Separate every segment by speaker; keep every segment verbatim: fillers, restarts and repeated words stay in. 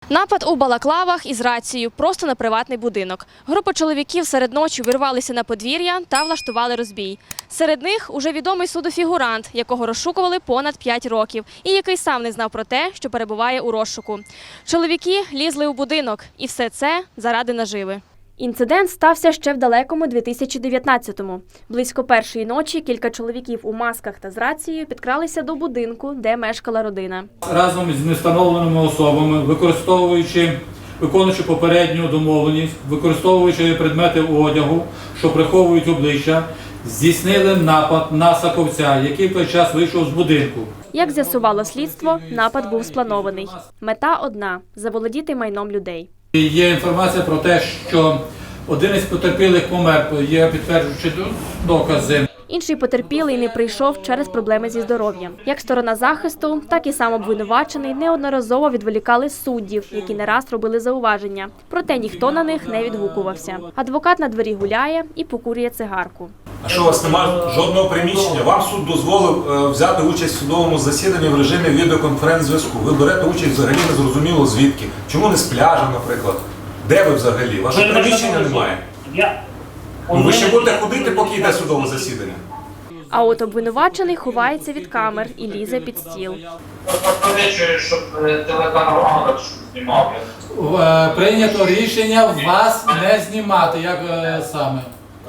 Speaker 1: Напад у балаклавах із рацією просто на приватний будинок. Група чоловіків серед ночі увірвалися на подвір'я та влаштували розбій. Серед них уже відомий суду фігурант, якого розшукували понад п'ять років і який сам не знав про те, що перебуває у розшуку. Чоловіки лізли у будинок і все це заради наживи. Інцидент стався ще в далекому дві тисячі дев'ятнадцятому. Близько першої ночі кілька чоловіків у масках та з рацією підкралися до будинку, де мешкала родина.
Speaker 2: Разом з невстановленими особами, використовуючи, виконуючи попередню домовленість, використовуючи предмети одягу, що приховують обличчя, здійснили напад на Саковця, який в той час вийшов з будинку.
Speaker 1: Як з'ясувало слідство, напад був спланований. Мета одна – заволодіти майном людей.
Speaker 2: Є інформація про те, що один із потерпілих помер, є підтверджуючі докази.
Speaker 1: Інший потерпілий не прийшов через проблеми зі здоров'ям. Як сторона захисту, так і сам обвинувачений неодноразово відволікали суддів, які не раз робили зауваження. Проте ніхто на них не відгукувався. Адвокат на дворі гуляє і покурює цигарку.
Speaker 3: А що у вас немає жодного приміщення? Вам суд дозволив е, взяти участь в судовому засіданні в режимі відеоконференц-зв'язку. Ви берете участь взагалі незрозуміло звідки. Чому не з пляжа, наприклад? Де ви взагалі? Вашого приміщення немає? Ну, ви ще будете ходити, поки йде судове засідання?
Speaker 1: А от обвинувачений ховається від камер і лізе під стіл.
Speaker 4: Пропозицію, щоб телеканал «Агат» знімав.
Speaker 2: Прийнято рішення вас не знімати. Як е, саме?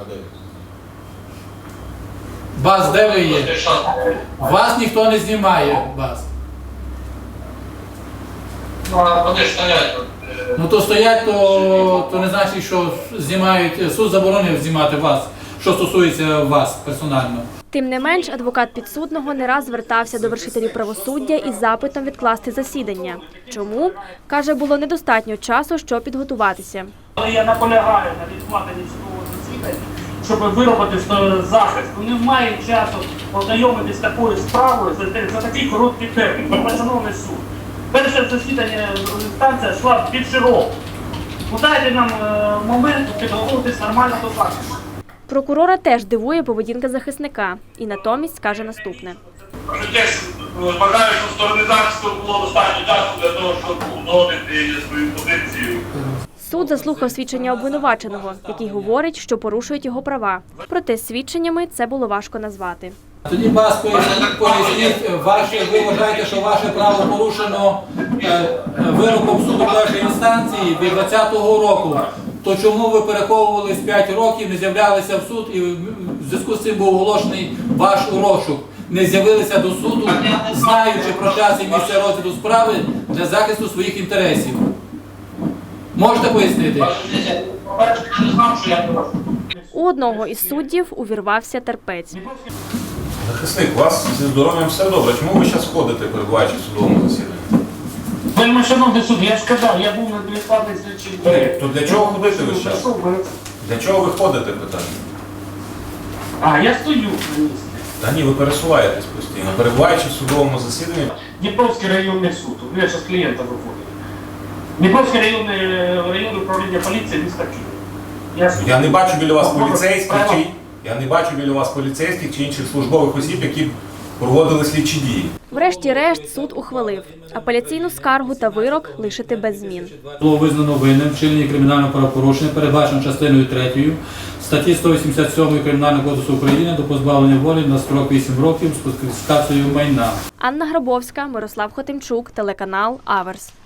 Speaker 2: Вас де ви є? Вас ніхто не знімає. Вас.
Speaker 4: Ну, а вони ж стоять тут.
Speaker 2: Ну то стоять, то, то не значить, що знімають, суд заборонив знімати вас, що стосується вас персонально.
Speaker 1: Тим не менш, адвокат підсудного не раз звертався до вершителів правосуддя із запитом відкласти засідання. Чому? Каже, було недостатньо часу, щоб підготуватися.
Speaker 5: Але я наполягаю на відкладенні судового засідання, щоб виробити захист. Вони не мають часу ознайомитися з такою справою за, за такий короткий термін. Шановний суд. Перше засідання інстанція йшла під широко. Дайте нам е, момент підготуватись нормально до захисту.
Speaker 1: Прокурора теж дивує поведінка захисника і натомість каже наступне.
Speaker 4: Теж вважаю, що сторони захисту було достатньо часу для того, щоб узгодити свою позицію.
Speaker 1: Суд заслухав свідчення обвинуваченого, який говорить, що порушують його права. Проте свідченнями це було важко назвати.
Speaker 2: Тоді вас поясніть, поясніть ваше, ви вважаєте, що ваше право порушено е, вироком суду першої інстанції від двадцятого року. То чому ви переховувались п'ять років, не з'являлися в суд і в зв'язку з цим був оголошений ваш розшук? Не з'явилися до суду, знаючи про час і місце розгляду справи для захисту своїх інтересів. Можете пояснити?
Speaker 1: У одного із суддів увірвався терпець.
Speaker 3: Захисник, у вас зі здоров'ям все добре. Чому ви зараз ходите, перебуваючи в судовому засіданні?
Speaker 5: Вельми шановний суд, я ж сказав, я був на невідкладних слідчих.
Speaker 3: То для чого ходити ви зараз? Для чого ви ходите, питання?
Speaker 5: А, я стою на місці.
Speaker 3: Та ні, ви пересуваєтесь постійно, перебуваючи в судовому засіданні.
Speaker 5: Дніпровський районний суд, я зараз клієнта виходив. Дніпровський районний районне управління поліції міста Києва.
Speaker 3: Я не бачу біля вас поліцейських чи я не бачу біля вас поліцейських чи інших службових осіб, які проводили слідчі дії.
Speaker 1: Врешті-решт суд ухвалив апеляційну скаргу та вирок лишити без змін.
Speaker 2: Було визнано винним вчинення кримінального правопорушення, передбачено частиною третьою статті сто вісімдесят сьомої Кримінального кодексу України до позбавлення волі на строк вісім років з конфіскацією майна.
Speaker 1: Анна Грабовська, Мирослав Хотимчук, телеканал «Аверс».